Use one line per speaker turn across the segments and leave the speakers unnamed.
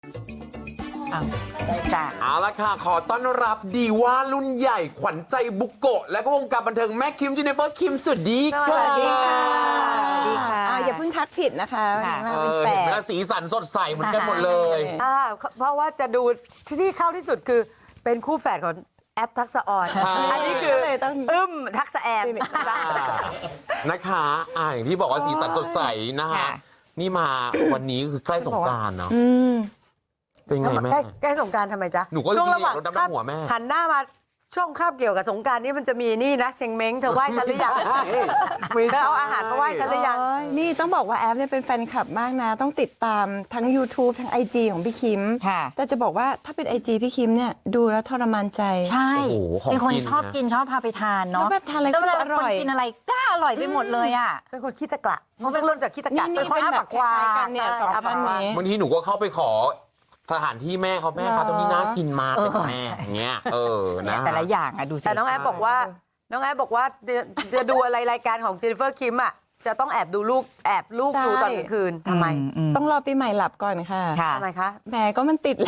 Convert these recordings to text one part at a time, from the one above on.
จ้ะ
เอาละค่ะขอต้อนรับดีว่ารุ่นใหญ่ขวัญใจบุกโกะและก็วงการบันเทิงแม่คิมจิเนเฟอร์คิมสวัสดีค่ะ
สวัสดีค่ะสวัสดีค่ะ
อย่าเพิ่งทักผิดนะคะ
ค่ะ
มาเป็นแฝ
เห็น
ด
ไหมสีสันสดใสเหมือนกันหมดเลย
เพราะว่าจะดูที่เข้าที่สุดคือเป็นคู่แฝดของแอปทักษะออน
ใช่
อันนี้คือ
ก็เลยต้อง
ทักษะแอม
นะคะอย่างที่บอกว่าสีสันสดใสนะคะ
ค่ะ
นี่มาวันนี้คือใกล้สงกรานต์เนาะ
อืม
เป็นไงแม่
ใกล้สงกรารทำไมจ๊ะ
หนูก็
ช่วงระหว่าง
รดน้ำดำหัวแม่
หันหน้ามาช่วงคาบเกี่ยวกับสงกรารนี่มันจะมีนี่นะเชงเม้งเธอไหว้ฉันหรือยัง
ไม่ใช่
เธอเอาอาหารมาไหว้ฉันหรือยัง
นี่ต้องบอกว่าแอฟเนี่ยเป็นแฟนคลับมากนะ ต้องติดตามทั้ง YouTube ทั้ง IG ของพี่คิม
ค่ะ
แต่จะบอกว่าถ้าเป็น IG พี่คิมเนี่ยดูแล้วทรมานใจ
ใช่
โอ้โหของ
เป็นคน
กิน
ชอบ
นะ
กินชอบพาไปทานเนาะ
แล้วแบบทานอะไร
แล้วเวลา
ก็อร่อย
คนกินอะไรก็อร่อยไปหมดเลยอ่ะ
เป็นคนขี้ตะกละมันเป็นเริ่มจากขี้ตะกละ
นี่
เป็นคน
เป็น
อ้า
แบบ
ปากควา
คล้ายๆกันเนี่ย
ใช่
สอง
อ้า
ท่า
ปาน กควา
นี้
บางทีหนูก็เข้าไปขอสถานที่แม่เขาแม่ครับตรงนี้น่ากินมากเลยค่ะแม่
ใช่
อย่างเงี้ยนะ
แต่ละอย่างอ่ะดูสิ
แต่น้องแอฟบอกว่าจะดูอะไรรายการของเจนนิเฟอร์คิมอ่ะจะต้องแอบดูลูกดูตอนกลางคืนทำไม
ต้องรอปีใหม่หลับก่อนค่ะ
ค่ะ
ทำไมคะ
แหมก็มันติดเลย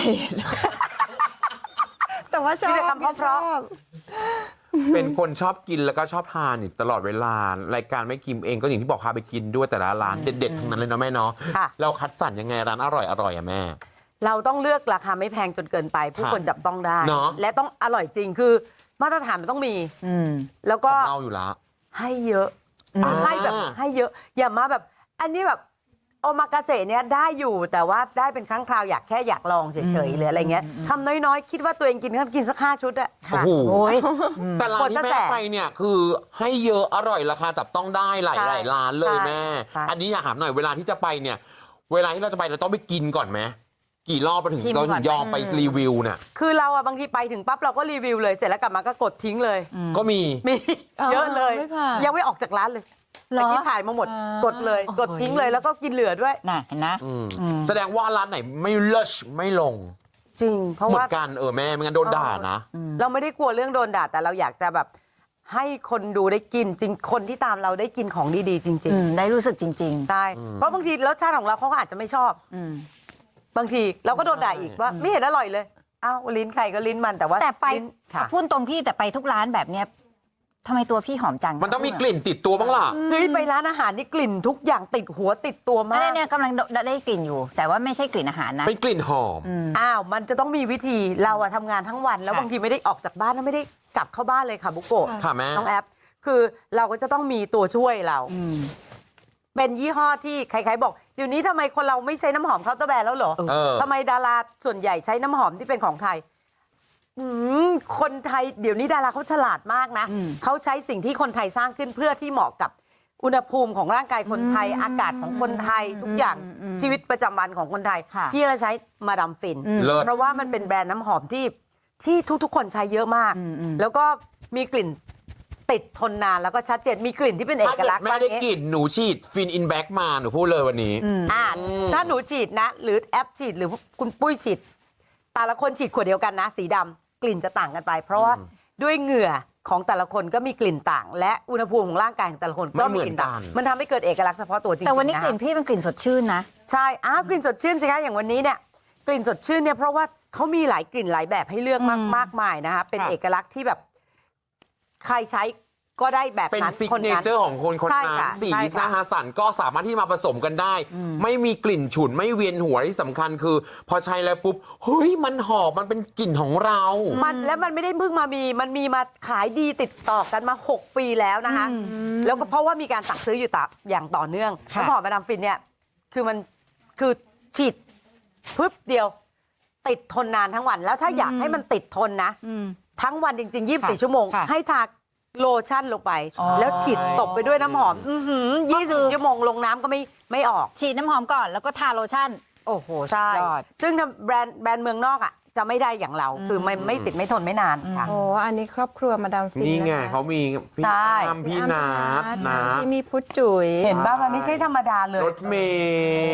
แต่ว่าชอบ
มีแต่คำเพราะๆ
ชอบ
เป็นคนชอบกินแล้วก็ชอบทานอยู่ตลอดเวลารายการแม่คิมเองก็อย่างที่บอกพาไปกินด้วยแต่ละร้านเด็ดๆทั้งนั้นเลยเนาะแม่เนาะ
ค่ะ
เราคัดสรรยังไงร้านอร่อยอะแม่
เราต้องเลือกราคาไม่แพงจนเกินไป ผู้คนจับต้องได้
เนอะ
และต้องอร่อยจริงคือมาตรฐานมันต้องมี
อืม
แล้ว
ข
ก็
องเราอยู่แล้ว
ให้เยอะ
อ่า
ให้แบบให้เยอะ อย่ามาแบบ อันนี้แบบโอมากาเสะเนี่ยได้อยู่แต่ว่าได้เป็นครั้งคราวอยากลองเฉยๆหรืออะไรเงี้ยทำน้อยๆ คิดว่าตัวเองกินสัก5 ชุดอะ
โอ้โห
โอ้ย
แต่ร้านที่
กดกระ
แม่
แส
ไปเนี่ยคือให้เยอะอร่อยราคาจับต้องได้หลาย
ใช่
หลายร้านเลย
ใช่
แม่
ใช่
อันนี้อยากถามหน่อยเวลาที่จะไปเนี่ย เวลาที่เราจะไปเราต้องไปกินก่อนไหมกี่รอบไปถึง
ชิม
เรา
ก่
ถึ
อน
งยอมไปรีวิวเนี่ย
คือเราอะบางทีไปถึงปั๊บเราก็รีวิวเลยเสร็จแล้วกลับมาก็กดทิ้งเลย
ก็มี
มี
อ๋อ
เยอะเลย
ไม่ผ่าน
ยังไม่ออกจากร้านเลย
เหรอ
เมื่อกี้ถ่ายมาหมด กดเลย
โอ้โห
กดทิ้งเลยแล้วก็กินเหลือด้วย
น่ะเห็นนะ
แสดงว่าร้านไหนไม่เลิศไม่ลง
จริง เพราะ
หมด
ว่า
กันแม่ไม่งั้นโดนด่านะ
เราไม่ได้กลัวเรื่องโดนด่าแต่เราอยากจะแบบให้คนดูได้กินจริงคนที่ตามเราได้กินของดีๆจริง
ได้รู้สึกจริง
ๆใช่เพราะบางทีรสชาติของเราเขาก็อาจจะไม่ชอบ
ๆอืม
บางทีเราก็โดนด่าอีกว่าไม่เห็นอร่อยเลยอ้าวลิ้นใครก็ลิ้นมันแต่ว่า
แต่ไป
ลิ้นค่ะ
พูดตรงพี่แต่ไปทุกร้านแบบเนี้ยทำไมตัวพี่หอมจัง
มันต้องมีกลิ่นติดตัวบ้างล่ะ
เฮ้ยไปร้านอาหารนี่กลิ่นทุกอย่างติดหัวติดตัวมา
ไม่
ก
เนี่ยกำลังได้กลิ่นอยู่ แต่ว่าไม่ใช่กลิ่นอาหารนะ
เป็นกลิ่นหอม
อ้าวมันจะต้องมีวิธีเราอะทำงานทั้งวัน แล้ว
ค่ะ
บางทีไม่ได้ออกจากบ้านแล้วไม่ได้กลับเข้าบ้านเลยค่ะบุโกะ
ค่ะแม่
น้องแอปคือเราก็จะต้องมีตัวช่วยเรา เป็นยี่ห้อที่ใครๆบอกเดี๋ยวนี้ทำไมคนเราไม่ใช้น้ำหอมเคาน์เตอร์แบรนด์แล้วเหรอ
เออ
ทำไมดาราส่วนใหญ่ใช้น้ำหอมที่เป็นของไทยคนไทยเดี๋ยวนี้ดาราเขาฉลาดมากนะเขาใช้สิ่งที่คนไทยสร้างขึ้นเพื่อที่เหมาะกับอุณหภูมิของร่างกายคนไทย อากาศของคนไทยทุกอย่างชีวิตประจำวันของคนไทย
ค่ะ
พี่เราใช้มาดามฟิน
เลิศ
เพราะว่ามันเป็นแบรนด์น้ำหอมที่ทุกๆคนใช้เยอะมาก แล้วก็มีกลิ่นติดทนนานแล้วก็ชัดเจนมีกลิ่นที่เป็นเอ
ถ้าก เกิด
ลักษณ์
แม่ได้กลิ่นหนูฉีดฟินอินแบ็กมาหนูพูดเลยวันนี้
ถ้าหนูฉีดนะ หรือแอปฉีดหรือคุณปุ้ยฉีดแต่ละคนฉีดขวดเดียวกันนะ สีดำกลิ่นจะต่างกันไป เพราะว่าด้วยเหงื่อของแต่ละคนก็มีกลิ่นต่าง และอุณหภูมิของร่างกายของแต่ละคนก็มีกลิ่นต่าง
ไม่เหมือนกัน
มันทำให้เกิดเอกลักษณ์เฉพาะตัวจริงๆ
แต่วันนี้
ะ
กลิ่นพี่เป็นกลิ่นสดชื่นนะ
ใช่กลิ่นสดชื่นสิคะอย่างวันนี้เนี่ยกลิ่นสดชื่นเนี่ยเพราะว่าเขามีหลายกลิ่นหลายแบบให้เลือกมากมายนะคะเป็น
ค่ะ
เอกลักษณ์ที่แบบใครใช้ก็ได้แบบ
เป็น
นั้น
ซิก
คน
เน
นั้น
เจอร์ของคน
ใช่
นั้น
ค่ะ
สี
ใช่
ห
ค่ะ
น้าฮาสันก็สามารถที่มาผสมกันได้ ไม่มีกลิ่นฉุนไม่เวียนหัวที่สำคัญคือ พอใช้แล้วปุ๊บเฮ้ยมันหอมมันเป็นกลิ่นของเรา
แล้วมันไม่ได้เพิ่งมามีมันมีมาขายดีติดต่อกันมา 6 ปีแล้วนะคะแล้วก็เพราะว่ามีการสั่งซื้ออยู่อย่างต่อเนื่อง
ค่ะ
น้ำหอมมาดามฟินเนี่ยคือฉีดปึ๊บเดียว ติดทนนานทั้งวัน แล้วถ้าอยากให้มันติดทนนะทั้งวันจริง ๆ 24 ชั่วโมง
ค่ะ
ให้ทาโลชั่นลงไป
อ๋อ
แล้วฉีดตบไปด้วยน้ำหอม
ก็คือ
20 ชั่วโมงลงน้ำก็ไม่ออก
ฉีดน้ำหอมก่อนแล้วก็ทาโลชั่น โอ้โห
ใช่
สุดยอด
ซึ่งถ้าแบรนด์เมืองนอกอ่ะจะไม่ได้อย่างเรา คือไม่ติดไม่ทนไม่นานค่ะ
โอ้อันนี้ครอบครัวมาดามฟิน
นี่ไง
นะคะ
เขามีพี่
ใช่
อ้ำพี่นัทนะ
ที่มีพุทธจุ๋ย
เห็นป่ะมันไม่ใช่ธรรมดาเลย
รถเมย์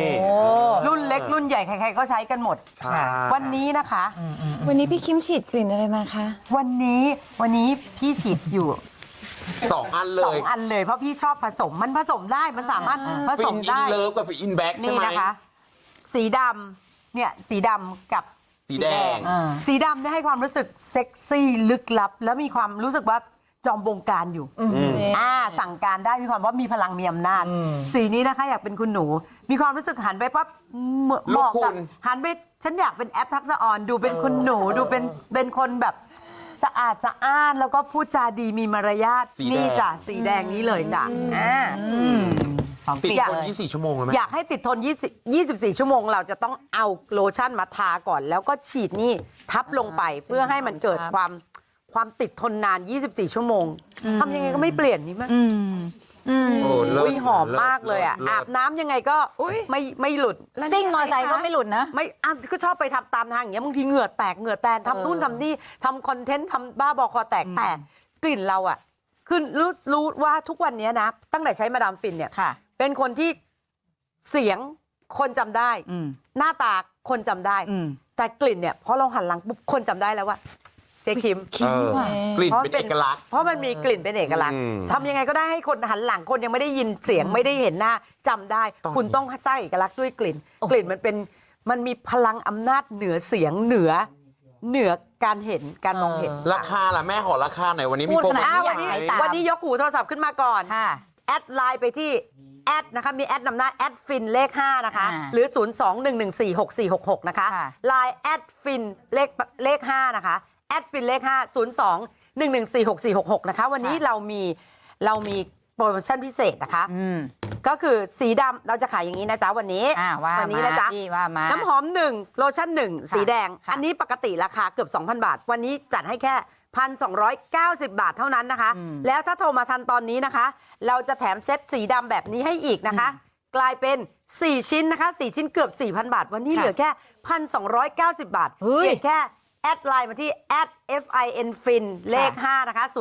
รุ่นเล็กรุ่นใหญ่ใครๆก็ใช้กันหมด
ใช่
วันนี้นะคะ
วันนี้พี่คิมฉีดกลิ่นอะไรมาคะ
วันนี้พี่ฉีดอยู่
2 อันเล
2
ย
อันเลยเพราะพี่ชอบผสมมันผสมได้มันสามารถผ
ฟิ
ส
น
ม
อิน
ได้
เลิฟกับฟินอินแบ็กใช่
นี่
ไหม
นะคะ สีดเนี่ยสีดำกับ
สีแดง
สีดำเนี่ยให้ความรู้สึกเซ็กซี่ลึกลับ แล้วมีความรู้สึกว่าจอมบงการอยู่สั่งการได้มีความว่ามีพลังมีอำนาจ สีนี้นะคะอยากเป็นคุณหนู มีความรู้สึกหันไปปั๊บเหมาะกับหันไปฉันอยากเป็นแอปทักษะออนดูเป็นคุณหนูดูเป็นคนแบบสะอาดสะอ้านแล้วก็พูดจาดีมีมารยาทนี่จ้ะสีแดงนี้เลยจ้ะ
ติดทน24 ชั่วโมงเลยไหม
อยากให้ติดทน24 ชั่วโมงเราจะต้องเอาโลชั่นมาทาก่อน แล้วก็ฉีดนี่ทับลงไปเพื่อให้มันเกิดความติดทนนาน 24 ชั่วโมงทำยังไงก็ไม่เปลี่ยนนี่มั้ย
โอ้เลิศ
หอมมากเลยอ่ะอาบน้ำยังไงก็ไม่หลุด
ซิ่งมอไซค์ก็ไม่หลุดนะ
ไม่ก็ชอบไปทำตามทางอย่างเงี้ยบางทีเหงื่อแตกเหงื่อแตนทำนู่นทำนี่ทำคอนเทนต์ทำบ้าบอคอแตกแต่กลิ่นเราอ่ะคือรู้ว่าทุกวันนี้นะตั้งแต่ใช้มาดามฟินเนี่ย
ค่ะ
เป็นคนที่เสียงคนจำได้ หน้าตาคนจำได้ แต่กลิ่นเนี่ยพอเราหันหลังปุ๊บคนจำได้แล้วว่าเจ๊คิม
กลิ่นเป็นเอกลักษณ์
เพราะมันมีกลิ่นเป็นเอกลักษณ์ทำยังไงก็ได้ให้คนหันหลังคนยังไม่ได้ยินเสียงไม่ได้เห็นหน้าจำได้ คุณต้องสร้างเอกลักษณ์ด้วยกลิ่น กลิ่นมันมีพลังอำนาจเหนือเสียงเหนือการเห็นการมองเห็น
ราคาล่ะแม่ขอราคาหน่อยวันนี้มี
พูด
โปร
ข
โม
นาด
ชั่น
นี้
ไหม
ตาม
วันนี้ยกหูโทรศัพท์ขึ้นมาก่อน
ค่ะ
แอดไลน์ไปที่แอดนะคะมีแอดนำหน้าแอดฟินเลข5นะคะ หรือ 021146466 นะคะ
ค่ะ
ไลน์แอดฟินเลข5นะคะแอดฟินเลข5 021146466 นะคะวันนี้เรามีโปรโมชั่นพิเศษนะคะก็คือสีดำเราจะขายอย่างนี้นะจ๊ะวันนี้
ว่า
วันี้
มา
นะจ๊ะ
พี่ว่ามา
น้ำหอม1โลชั่น1สีแดง
ค่ะ
อันนี้ปกติราคาเกือบ 2,000 บาท วันนี้จัดให้แค่ 1,290 บาทเท่านั้นนะคะ แล้วถ้าโทรมาทันตอนนี้นะคะ เราจะแถมเซ็ตสีดำแบบนี้ให้อีกนะคะ กลายเป็น 4 ชิ้นนะคะ 4 ชิ้นเกือบ 4,000 บาท วันนี้เหลือแค่ 1,290 บาท
เฮ้ย
เพียงแค่แอดไลน์มาที่ @finfin เลข 5 นะคะ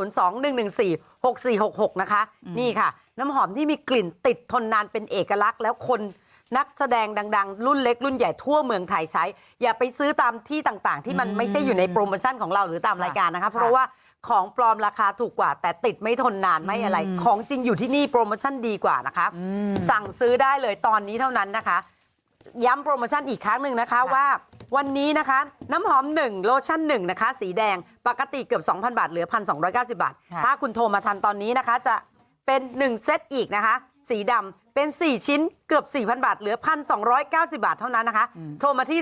021146466 นะคะ นี่ค่ะ น้ำหอมที่มีกลิ่นติดทนนานเป็นเอกลักษณ์แล้วคนนักแสดงดังๆ รุ่นเล็กรุ่นใหญ่ทั่วเมืองไทยใช้ อย่าไปซื้อตามที่ต่างๆ ที่มันไม่ใช่อยู่ในโปรโมชั่นของเราหรือตามรายการนะคะ เพราะว่าของปลอมราคาถูกกว่า แต่ติดไม่ทนนานไม่อะไร ของจริงอยู่ที่นี่โปรโมชั่นดีกว่านะคะ สั่งซื้อได้เลยตอนนี้เท่านั้นนะคะ ย้ำโปรโมชั่นอีกครั้งหนึ่งนะคะว่าวันนี้นะคะน้ำหอม1โลชั่น1นะคะสีแดงปกติเกือบ 2,000 บาทเหลือ 1,290 บาท
ค่ะ
ถ้าคุณโทรมาทันตอนนี้นะคะจะเป็น1เซตอีกนะคะสีดำเป็น4ชิ้นเกือบ 4,000 บาทเหลือ 1,290 บาทเท่านั้นนะคะโทรมาที่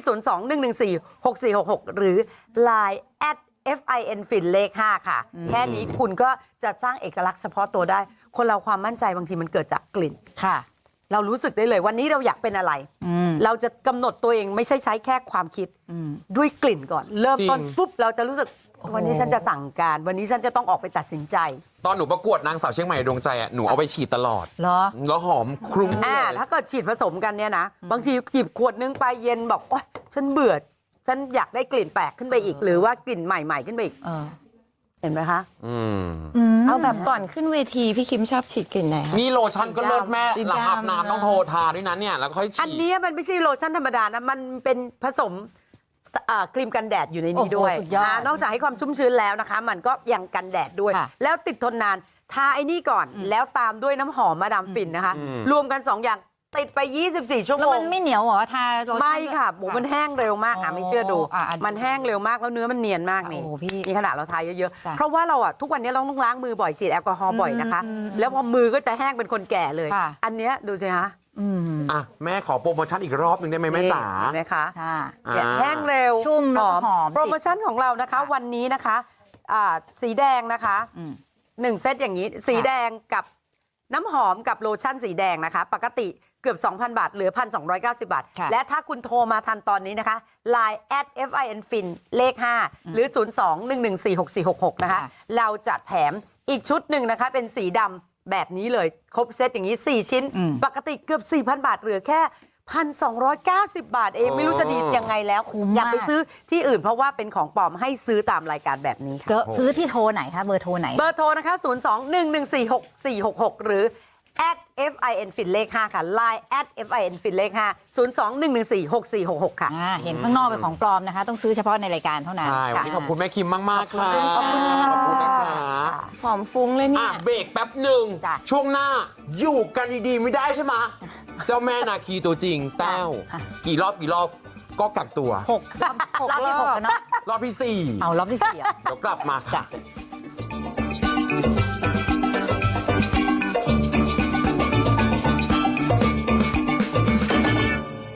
021146466 หรือ Line @finfin เลข 5 ค่ะแค่นี้คุณก็จะสร้างเอกลักษณ์เฉพาะตัวได้คนเราความมั่นใจบางทีมันเกิดจากกลิ่น
ค่ะ
เรารู้สึกได้เลยวันนี้เราอยากเป็นอะไร เราจะกำหนดตัวเองไม่ใช่ใช้แค่ความคิดด้วยกลิ่นก่อน เริ่มต้น
จริง
ปุ๊บเราจะรู้สึกวันนี้ฉันจะสั่งการ วันนี้ฉันจะต้องออกไปตัดสินใจ
ตอนหนูประกวดนางสาวเชียงใหม่ดวงใจอ่ะหนูเอาไปฉีดตลอด
เหรอ
แล้วหอมคลุ้งเลย
ถ้าเกิดฉีดผสมกันเนี่ยนะ บางทีหยิบขวดนึงไปเย็นบอกโอ๊ยฉันเบื่อ ฉันอยากได้กลิ่นแปลกขึ้นไปอีก หรือว่ากลิ่นใหม่ๆขึ้นไปอีก เห็นไหมคะ
เอาแบบก่อนขึ้นเวทีพี่คิมชอบฉีดกลิ่นไหนคะ
นี่โลชั่นก็เลิศแม่
สีดำ
หลังอาบน้ำต้องโทรทาด้วยนะเนี่ยแล้วค่อยฉีด
อันนี้มันไม่ใช่โลชั่นธรรมดานะ มันเป็นผสมครีมกันแดดอยู่ในนี้ด้วย
โอ้โหสุดยอด
นอกจากให้ความชุ่มชื้นแล้วนะคะ มันก็ยังกันแดดด้วย
ค่ะ
แล้วติดทนนาน ทาไอ้นี่ก่อน แล้วตามด้วยน้ำหอมมาดามฟินนะคะ รวมกัน 2 อย่างติดไป 24 ชั่ว
แล้
โม
ว
ง
มันไม่เหนียวเหรอทาโลชั่น
ไม่ค่ะหมูมันแห้งเร็วมากไม่เชื่อดู
อ่ะ
มันแห้งเร็วมากแล้วเนื้อมันเนียนมากนี่
โอ้โหพี่
นี่ขนาดเราทาเยอะ
จ้ะ
ๆ เพราะว่าเราทุกวันนี้เราต้องล้างมือบ่อยฉีดแอลกอฮอล์บ่อยนะคะ แล้วพอมือก็จะแห้งเป็นคนแก่เลย
ค่ะ
อันเนี้ยดูสิคะ
อ่ะแม่ขอโปรโมชั่นอีกรอบหนึ่งได้ไหมแม่จ๋า
เห็นไหมคะ
ค่ะ
แห้งเร็ว
ชุ่มแล้วก็หอม
โปรโมชั่นของเรานะคะวันนี้นะคะสีแดงนะคะ1เซตอย่างนี้สีแดงกับน้ำหอมกับโลชั่นสีแดงนะคะ ปกติเกือบ 2,000 บาทเหลือ 1,290 บาท
ค่ะ
และถ้าคุณโทรมาทันตอนนี้นะคะ Line @finfin เลข 5 หรือ 021146466 นะคะ เราจะแถมอีกชุดหนึ่งนะคะเป็นสีดำแบบนี้เลยครบเซตอย่างนี้ 4 ชิ้น ปกติเกือบ 4,000 บาทเหลือแค่ 1,290 บาทเองไม่รู้จะดียังไงแล้ว
คุ้มมาก
อย่าไปซื้อที่อื่นเพราะว่าเป็นของปลอมให้ซื้อตามรายการแบบนี้ค่ะ
ก็ซื้อที่โทรไหนคะเบอร์โทรไหน
เบอร์โทรนะคะ 021146466 หรือ @finfin เลข 5 ค่ะ Line @finfin เลข 5 021146466 ค่ะ
เห็นข้างนอกเป็นของปลอมนะคะ ต้องซื้อเฉพาะในรายการเท่านั้น
ใช่วันนี้ขอบคุณแม่คิมมาก ๆ ค่ะ
ขอบคุณค่ะ
ขอบคุณนะคะ
หอมฟุ้งเลยเนี่
อ่ะ
ย
เบรกแป๊บหนึ่ง
จ้ะ
ช่วงหน้าอยู่กันดี ๆ ไม่ได้ใช่ไหมเจ้าแม่นาคีตัวจริงแต้วกี่รอบก็กักตัว
6 รอบที่ 6 กันเนาะ
รอบที่
เอารอบที่ 4
4 เดี๋ยวกลับมา
จ้ะ